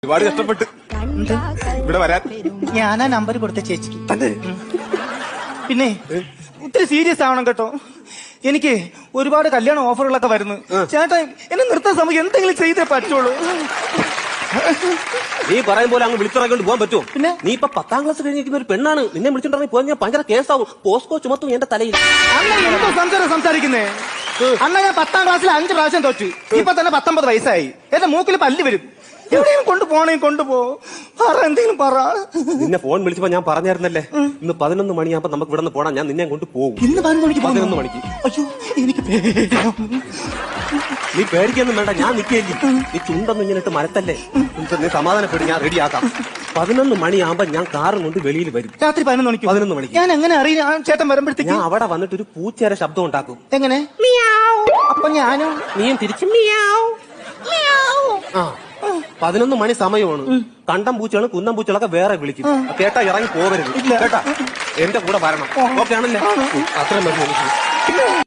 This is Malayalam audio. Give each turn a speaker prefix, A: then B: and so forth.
A: ഒരുപാട് കഷ്ടപ്പെട്ട് ഇവിടെ വരാൻ
B: ഞാനാ നമ്പർ കൊടുത്ത ചേച്ചിക്ക്. പിന്നെ ഒത്തിരി സീരിയസ് ആവണം കേട്ടോ. എനിക്ക് ഒരുപാട് കല്യാണ ഓഫറുകളൊക്കെ വരുന്നു. ചേട്ടാ എന്നെ നിർത്താൻ സമയം എന്തെങ്കിലും ചെയ്തേ പറ്റുള്ളൂ.
A: നീ പറയും പോലെ അങ്ങ് വിളിച്ചിറങ്ങിക്കൊണ്ട് പോകാൻ പറ്റുമോ?
B: പിന്നെ
A: നീ ഇപ്പൊ 10ാം ക്ലാസ് കഴിഞ്ഞിരിക്കുന്ന ഒരു പെണ്ണാണ്. നിന്നെ വിളിച്ചിട്ടുണ്ടെങ്കിൽ പോയി ഞാൻ ഭയങ്കര കേസാവും. പോസ്കോ ചുമത്തും എന്റെ തലയിൽ.
B: അണ്ണ എന്തോ സംസാരിക്കുന്നേ? അണ്ണ ഞാൻ 10ാം ക്ലാസ്സിൽ 5 പ്രാവശ്യം തോറ്റു. ഇപ്പൊ തന്നെ 19 വയസ്സായി. എന്റെ മൂക്കിൽ പല്ല് വരും. എവിടെയും കൊണ്ടുപോണേ കൊണ്ടുപോ. പറ എന്തെങ്കിലും പറ.
A: നിന്നെ ഫോൺ വിളിച്ചപ്പോ ഞാൻ പറഞ്ഞായിരുന്നല്ലേ ഇന്ന് 11 മണിയാകുമ്പോ നമുക്ക് ഇവിടെ നിന്ന് പോണം. ഞാൻ നിന്നെ കൊണ്ട് പോകും.
B: ഇന്ന് 11
A: മണിക്ക്.
B: അയ്യോ എനിക്ക്
A: നീ പേടിക്കൊന്നും വേണ്ട. ഞാൻ നിൽക്കുകയല്ലേ. നീ ചുണ്ടൊന്നും ഇങ്ങനെ ഇട്ട് മരത്തല്ലേ. നീ സമാധാനപ്പെടും. ഞാൻ റെഡിയാക്കാം. 11 മണിയാകുമ്പോ ഞാൻ കാറും കൊണ്ട് വെളിയിൽ വരും.
B: രാത്രി 11 മണിക്ക്. ഞാൻ എങ്ങനെ അറിയാം ചേട്ടൻ വരുമ്പോഴത്തേക്ക്?
A: ഞാൻ അവിടെ വന്നിട്ട് ഒരു പൂച്ചേരെ ശബ്ദം ഉണ്ടാക്കും.
B: എങ്ങനെ? അപ്പൊ ഞാനും
A: നീയും തിരിച്ചും. ആ 11 മണി സമയമാണ്. കണ്ടം പൂച്ചകളും കുന്നം പൂച്ചകളൊക്കെ വേറെ വിളിക്കും. കേട്ടാ ഇറങ്ങി പോകരുത് കേട്ടാ. എന്റെ കൂടെ വരണം. ഓക്കെ ആണല്ലേ? അത്രയും മതി.